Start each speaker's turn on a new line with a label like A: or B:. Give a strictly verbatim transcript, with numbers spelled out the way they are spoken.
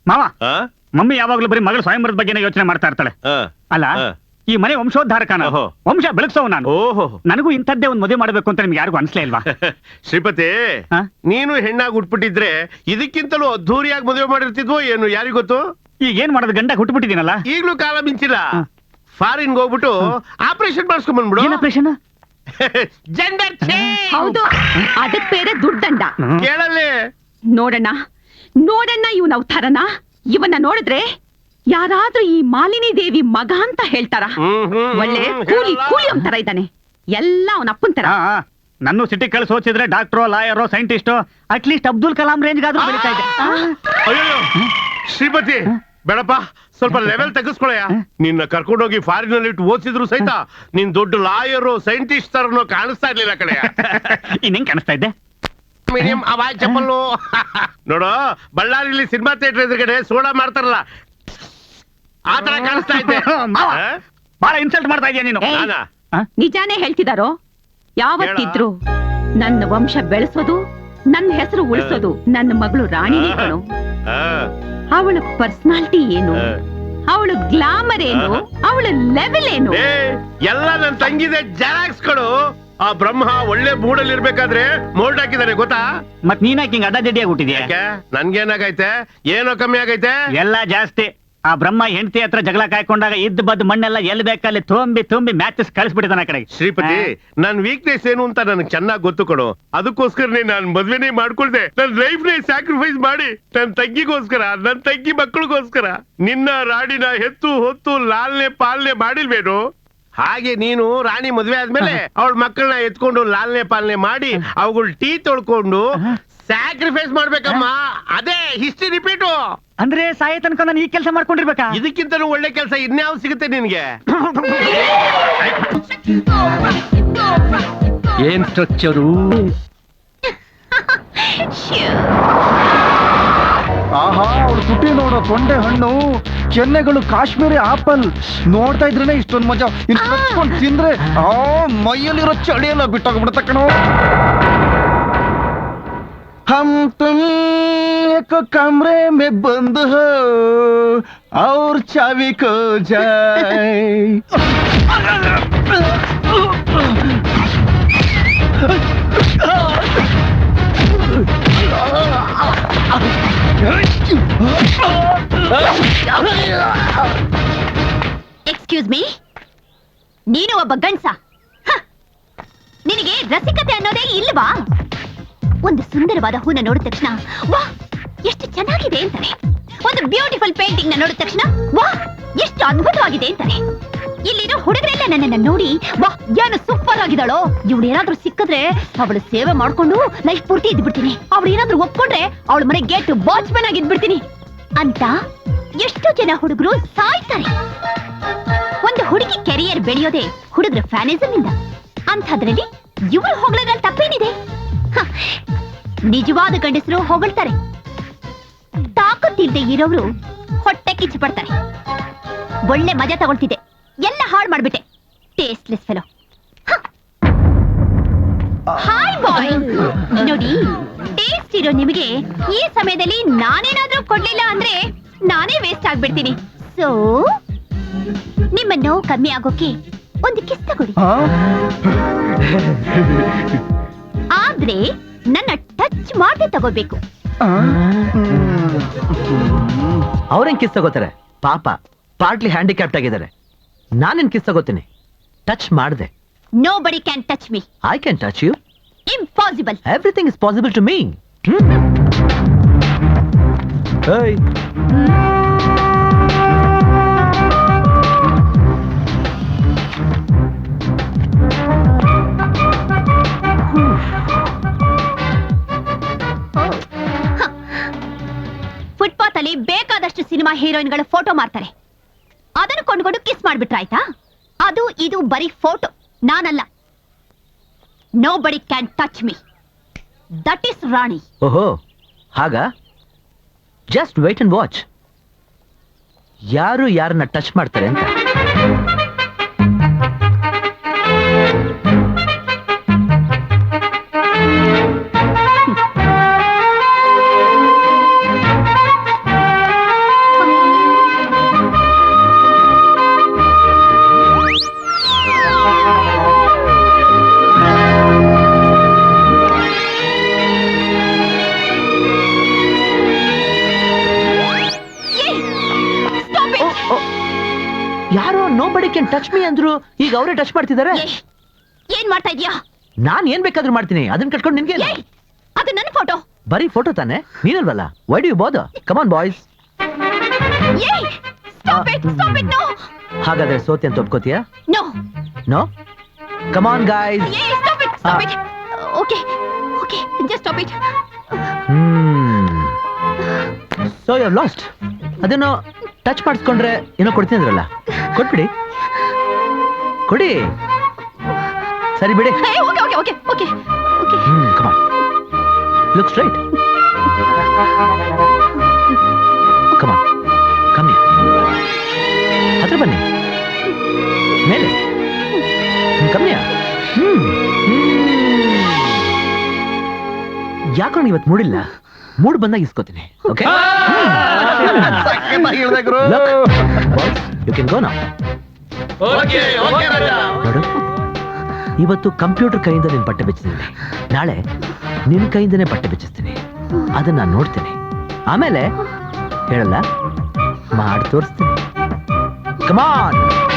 A: ಮಾವ ಮಮ್ಮಿ ಯಾವಾಗ್ಲೂ ಬರೀ ಮಗಳ ಸ್ವಯಂವರದ ಬಗ್ಗೆ ಯೋಚನೆ ಮಾಡ್ತಾ ಇರ್ತಾಳೆ. ಅಲ್ಲ ಈ ಮನೆ ವಂಶೋದ್ಧಾರಕನ ವಂಶ ಬೆಳಗ್ಸವ್ ನಾನು. ನನಗೂ ಇಂಥದ್ದೇ ಒಂದ್ ಮದುವೆ ಮಾಡ್ಬೇಕು ಅಂತ ನಿಮ್ಗೆ ಯಾರಿಗೂ ಅನ್ಸ್ಲೇ ಇಲ್ವಾ?
B: ಶ್ರೀಪತಿ, ನೀನು ಹೆಣ್ಣಾಗಿ ಉಟ್ಬಿಟ್ಟಿದ್ರೆ ಇದಕ್ಕಿಂತಲೂ ಅದ್ದೂರಿಯಾಗಿ ಮದುವೆ ಮಾಡಿರ್ತಿದ್ವೋ ಏನು, ಯಾರಿಗ್ ಗೊತ್ತು?
A: ಈಗ ಏನ್ ಮಾಡೋದು, ಗಂಡ ಹುಟ್ಟುಬಿಟ್ಟಿದ್ದೀನಲ್ಲ.
B: ಈಗ್ಲೂ ಕಾಲ ಮಿಂಚಿಲ್ಲ. ಫಾರಿನ್ ಹೋಗ್ಬಿಟ್ಟು ಆಪರೇಷನ್ ಮಾಡಿಸ್ಕೊಂಡ್ ಬಂದ್ಬಿಡು.
A: ಆಪರೇಷನ್?
B: ಜೆಂಡರ್
C: ಹೌದು, ಅದಕ್ ಬೇರೆ ದುಡ್ಡಂಡ.
B: ಕೇಳಲ್ಲಿ
C: ನೋಡಣ್ಣ ನೋಡಣ್ಣ ಇವನ್ ಅವತಾರನ. ಇವನ್ನ ನೋಡಿದ್ರೆ ಯಾರಾದ್ರೂ ಈ ಮಾಲಿನಿ ದೇವಿ ಮಗ ಅಂತ ಹೇಳ್ತಾರ. ಒಳ್ಳೆ ಕೂಲಿ ಕೂಲಿ ಒಂಥರ ಇದ್ದಾನೆ, ಎಲ್ಲ ಅವನ ಅಪ್ಪನ್ ತರ.
A: ನನ್ನ ಸಿಟಿ ಕಳ್ಸಿ ಓದಿಸಿದ್ರೆ ಡಾಕ್ಟ್ರೋ ಲಾಯರೋ ಸೈಂಟಿಸ್ಟೋ ಅಟ್ಲೀಸ್ಟ್ ಅಬ್ದುಲ್ ಕಲಾಂ ರೇಂಜ್ಗಾದ್ರೂ ಬೆಳೀತಾ ಇದೆ.
B: ಅಯ್ಯೋ ಶ್ರೀಪತಿ ಬೇಡಪ್ಪ, ಸ್ವಲ್ಪ ಲೆವೆಲ್ ತೆಗೆಸ್ಕೊಳಯ್ಯ. ನಿನ್ನ ಕರ್ಕೊಂಡೋಗಿ ಫಾರಿನ್ ಅಲ್ಲಿ ಇಟ್ಟು ಓದಿಸಿದ್ರು ಸಹಿತ ನೀನ್ ದೊಡ್ಡ ಲಾಯರು ಸೈಂಟಿಸ್ಟ್ ತರನೋ ಕಾಣಿಸ್ತಾ ಇರ್ಲಿಲ್ಲ ಕಡೆಯ.
A: ಇನ್ನೇನ್ ಕಾಣಿಸ್ತಾ ಇದ್ದೆ?
B: ಮೀಡಿಯಂ ಅವಾಜ್ ಚಪ್ಪಲ್ಲು. ನೋಡು, ಬಳ್ಳಾರಿಲಿ ಸಿನಿಮಾ ಥಿಯೇಟರ್ ಎದುರುಗಡೆ ಸೋಡಾ ಮಾಡ್ತಾರಲ್ಲ, ಆ ತರ ಕಾಣಿಸ್ತಾ ಇದ್ದೆ.
A: ಬಹಳ ಇನ್ಸಲ್ಟ್ ಮಾಡ್ತಾ ಇದೀಯ ನೀನು.
C: ನಿಜಾನೇ ಹೇಳ್ತಿದಾರೋ? ಯಾವತ್ತಿದ್ರು ನನ್ನ ವಂಶ ಬೆಳೆಸೋದು, ನನ್ನ ಹೆಸರು ಉಳಿಸೋದು ನನ್ನ ಮಗಳು ರಾಣಿನೇ ಕಣೋ. ಅವಳ ಪರ್ಸನಾಲಿಟಿ ಏನು, ಅವಳ ಗ್ಲಾಮರ್ ಏನು, ಅವಳ ಲೆವೆಲ್ ಏನು
B: ಎಲ್ಲ ನನ್ ತಂಗಿದೆ ಜೆರಾಕ್ಸ್ಗಳು. ಆ ಬ್ರಹ್ಮ ಒಳ್ಳೆ ಮೂಡಲ್ಲಿ ಇರ್ಬೇಕಾದ್ರೆ ಮೋಲ್ಡ್ ಹಾಕಿದಾನೆ ಗೊತ್ತಾ?
A: ಮತ್ ನೀನಾಕಿ ಹಿಂಗ್ ಅಡ್ಡ ದಿಡ್ಡಿ ಆಗ್ಬಿಟ್ಟಿದ್ಯಾ?
B: ನನ್ಗೇನಾಗೈತೆ? ಏನೋ ಕಮ್ಮಿ ಆಗೈತೆ?
A: ಎಲ್ಲ ಜಾಸ್ತಿ. ಆ ಬ್ರಹ್ಮ ಹೆಂಡತಿ ಹತ್ರ ಜಗಳ ಕಾಯ್ಕೊಂಡಾಗ ಇದ್ದ ಬದ್ ಮಣ್ಣೆಲ್ಲ ಎಲ್ಲಿ ಬೇಕಲ್ಲಿ ತುಂಬಿ ತುಂಬಿ ಮ್ಯಾಚಸ್ ಕಳಿಸ್ಬಿಟ್ಟಿದ್ದಾನ ಆ ಕಡೆಗೆ.
B: ಶ್ರೀಪತಿ, ನನ್ ವೀಕ್ನೆಸ್ ಏನು ಅಂತ ನನಗೆ ಚೆನ್ನಾಗಿ ಗೊತ್ತು ಕೊಡು. ಅದಕ್ಕೋಸ್ಕರನೇ ನಾನ್ ಮದ್ವೆನೇ ಮಾಡ್ಕೊಳ್ದೆ. ನನ್ ಲೈಫ್ ನೇ ಸ್ಯಾಕ್ರಿಫೈಸ್ ಮಾಡಿ ನನ್ ತಂಗಿಗೋಸ್ಕರ, ನನ್ ತಂಗಿ ಮಕ್ಕಳಿಗೋಸ್ಕರ ನಿನ್ನ ರಾಣಿನ ಹೆತ್ತು ಹೊತ್ತು ಲಾಲ್ನೆ ಪಾಲನೆ ಮಾಡಿಲ್ವೇನು? ಹಾಗೆ ನೀನು ರಾಣಿ ಮದ್ವೆ ಆದ್ಮೇಲೆ ಅವಳ ಮಕ್ಕಳನ್ನ ಎತ್ಕೊಂಡು ಲಾಲ್ನೆ ಪಾಲನೆ ಮಾಡಿ ಅವುಗಳ ಟೀ ತೊಳ್ಕೊಂಡು ಸ್ಯಾಕ್ರಿಫೈಸ್ ಮಾಡ್ಬೇಕಮ್ಮ. ಅದೇ ಹಿಸ್ಟ್ರಿ ರಿಪೀಟು.
A: ಅಂದ್ರೆ ಸಾಯ ತನಕ ನಾನು ಈ ಕೆಲಸ ಮಾಡ್ಕೊಂಡಿರ್ಬೇಕಾ?
B: ಇದಕ್ಕಿಂತಲೂ ಒಳ್ಳೆ ಕೆಲಸ ಇನ್ಯಾವ್ ಸಿಗುತ್ತೆ ನಿನ್ಗೆ?
A: ಏನ್ ಸ್ಟ್ರಕ್ಚರು?
D: ಆಹಾ, ಅವ್ರು ತುಟಿ ನೋಡೋ ತೊಂಡೆ ಹಣ್ಣು, ಕೆನ್ನೆಗಳು ಕಾಶ್ಮೀರಿ ಆಪಲ್. ನೋಡ್ತಾ ಇದ್ರೇನೆ ಇಷ್ಟೊಂದು ಮಜಾ. ಇನ್ನು ಹಚ್ಕೊಂಡು ತಿಂದ್ರೆ ಆ ಮೈಯಲ್ಲಿರೋ ಚಳಿಯೆಲ್ಲ ಬಿಟ್ಟೋಗ್ಬಿಡುತ್ತೆ ಕಣೋ. हम तुम एक कमरे में बंद हो और चाबी खो जाए.
C: ಎಕ್ಸ್ಕ್ಯೂಸ್ ಮೀ, ನೀನು ಒಬ್ಬ ಗಂಡ್ಸ? ನಿನಗೆ ರಸಿಕತೆ ಅನ್ನೋದೇ ಇಲ್ವಾ? ಒಂದು ಸುಂದರವಾದ ಹೂನ ನೋಡಿದ ತಕ್ಷಣ ವಾ ಎಷ್ಟು ಚೆನ್ನಾಗಿದೆ ಅಂತಾನೆ. ಒಂದು ಬ್ಯೂಟಿಫುಲ್ ಪೇಂಟಿಂಗ್ ನ ನೋಡಿದ ತಕ್ಷಣ ವಾ ಎಷ್ಟು ಅದ್ಭುತವಾಗಿದೆ ಅಂತಾನೆ. ಇಲ್ಲಿರೋ ಹುಡುಗರೆಲ್ಲ ನನ್ನನ್ನ ನೋಡಿ ವಾ ಏನು ಸೂಪರ್ ಆಗಿದ್ದಾಳೋ, ಇವಳು ಏನಾದ್ರೂ ಸಿಕ್ಕಿದ್ರೆ ಅವಳು ಸೇವೆ ಮಾಡ್ಕೊಂಡು ಲೈಫ್ ಪೂರ್ತಿ ಇದ್ಬಿಡ್ತೀನಿ, ಅವಳು ಏನಾದ್ರೂ ಒಪ್ಕೊಂಡ್ರೆ ಅವಳ ಮನೆ ಗೇಟ್ ವಾಚ್ಮನ್ ಆಗಿ ಇದ್ಬಿಡ್ತೀನಿ ಅಂತ ಎಷ್ಟೋ ಜನ ಹುಡುಗರು ಸಾಯ್ತಾರೆ. ಒಂದು ಹುಡುಗಿ ಕೆರಿಯರ್ ಬೆಳೆಯೋದೇ ಹುಡುಗರ ಫ್ಯಾನಿಸಮ್ ಇಂದ. ಅಂಥದ್ರಲ್ಲಿ ಇವಳು ಹೊಗಳದ್ರಲ್ಲಿ ತಪ್ಪೇನಿದೆ? ನಿಜವಾದ ಗಂಡಸರು ಹೊಗಳ್ತಾರೆ, ತಾಕತ್ತಿಲ್ದೆ ಇರೋರು ಹೊಟ್ಟೆ ಕಿಚ್ಚು ಪಡ್ತಾರೆ. ಒಳ್ಳೆ ಮಜಾ ತಗೊಳ್ತಿದ್ದೆ, ಎಲ್ಲ ಹಾಳು ಮಾಡ್ಬಿಟ್ಟೆ. Tasteless fellow. ಹಾಯ್ ಬಾಯ್, ನೋಡಿ ಟೇಸ್ಟ್ ಇರೋ ನಿಮಗೆ ಈ ಸಮಯದಲ್ಲಿ ನಾನೇನಾದ್ರೂ ಕೊಡ್ಲಿಲ್ಲ ಅಂದ್ರೆ ನಾನೇ ವೇಸ್ಟ್ ಆಗ್ಬಿಡ್ತೀನಿ. ಸೊ ನಿಮ್ಮ ನೋವು ಕಮ್ಮಿ ಆಗೋಕೆ ಒಂದು ಕಿಸ್ ತಗೊಳ್ಳಿ. ಆದ್ರೆ ನನ್ನ ಟಚ್ ಮಾಡಿ ತಗೋಬೇಕು.
E: ಅವ್ರೇನ್ ಕಿಸ್ ತಗೋತಾರೆ ಪಾಪ, ಪಾರ್ಟ್ಲಿ ಹ್ಯಾಂಡಿಕ್ಯಾಪ್ಟ್ ಆಗಿದ್ದಾರೆ. ನಾನೇನ್ ಕಿಸ್ ತಗೋತೀನಿ? ಟಚ್ ಮಾಡ್ದೆ.
C: Nobody can touch me.
E: I can touch you.
C: Impossible.
E: Everything is possible to me. Hey.
C: Footpath ಅಲ್ಲಿ ಬೇಕಾದಷ್ಟು ಸಿನಿಮಾ ಹೀರೋಯಿನ್ಗಳ ಫೋಟೋ ಮಾಡ್ತಾರೆ. ಅದನ್ನು ಕೊಂಡ್ಕೊಂಡು ಕಿಸ್ ಮಾಡ್ಬಿಟ್ರಾಯ್ತಾ? ಅದು ಇದು ಬರೀ ಫೋಟೋ, ನಾನಲ್ಲ. Nobody can touch me. That is Rani.
E: ಓಹೋ ಹಾಗ? Just wait and watch. ಯಾರು ಯಾರನ್ನ ಟಚ್ ಮಾಡ್ತಾರೆ ಅಂತ. ಯಾರೋ ನೋ ಬಡಿ ಕ್ಯಾನ್ ಟಚ್ ಮೀ ಅಂದ್ರು ಈಗ ಅವರೇ ಟಚ್ ಮಾಡ್ತಿದ್ದಾರೆ.
C: ಏಯ್, ಏನ್ ಮಾಡ್ತಾ ಇದ್ಯಾ?
E: ನಾನ್ ಏನ್ ಬೇಕಾದ್ರೂ ಮಾಡ್ತೀನಿ, ಅದನ್ನ ಕಟ್ಕೊಂಡು ನಿನ್ಗೆ
C: ಏಯ್, ಅದು ನನ್ನ ಫೋಟೋ.
E: ಬರೀ ಫೋಟೋ ತಾನೆ, ನೀನಲ್ವಲ್ಲ? Why do you bother? Come on boys.
C: ಏಯ್, stop it, stop it, no.
E: ಹಾಗಾದ್ರೆ ಸೋತಿ ಅಂತ ಒಪ್ಕೋತೀಯಾ?
C: No.
E: No? Come on guys.
C: ಏಯ್, stop it, stop it. Okay, okay, just stop it.
E: Hmm. So you have lost. ಅದೇನೋ touch ಮಾಡಿಸ್ಕೊಂಡ್ರೆ ಏನೋ ಕೊಡ್ತೀನಿ ಅಂದ್ರಲ್ಲ, ಕೊಟ್ಬಿಡಿ. ಕೊಡಿ. ಸರಿ ಬಿಡಿ.
C: ಏಯ್, okay, okay, okay, okay, okay.
E: Hmm, come on. Look straight. Come on, come here. ಹತ್ರ ಬನ್ನಿ. ಮೇಲೆ. Come here. ಹ್ಮ್. ಯಾಕೋ ಇವತ್ತು ಮೂಡಿಲ್ಲ. ಮೂಡ್ ಬಂದಾಗ ಇಸ್ಕೋತೀನಿ. Okay? You can go now. ನೋಡು, ಇವತ್ತು ಕಂಪ್ಯೂಟರ್ ಕೈಯಿಂದ ನಿನ್ ಬಟ್ಟೆ ಬಿಚ್ಚಿದ್ದೀನಿ, ನಾಳೆ ನಿನ್ ಕೈಯಿಂದನೇ ಬಟ್ಟೆ ಬಿಚ್ಚಿಸ್ತೀನಿ. ಅದನ್ನ ನಾನು ನೋಡ್ತೀನಿ, ಆಮೇಲೆ ಹೇಳಲ್ಲ, ಮಾಡಿ ತೋರಿಸ್ತೀನಿ. Come on.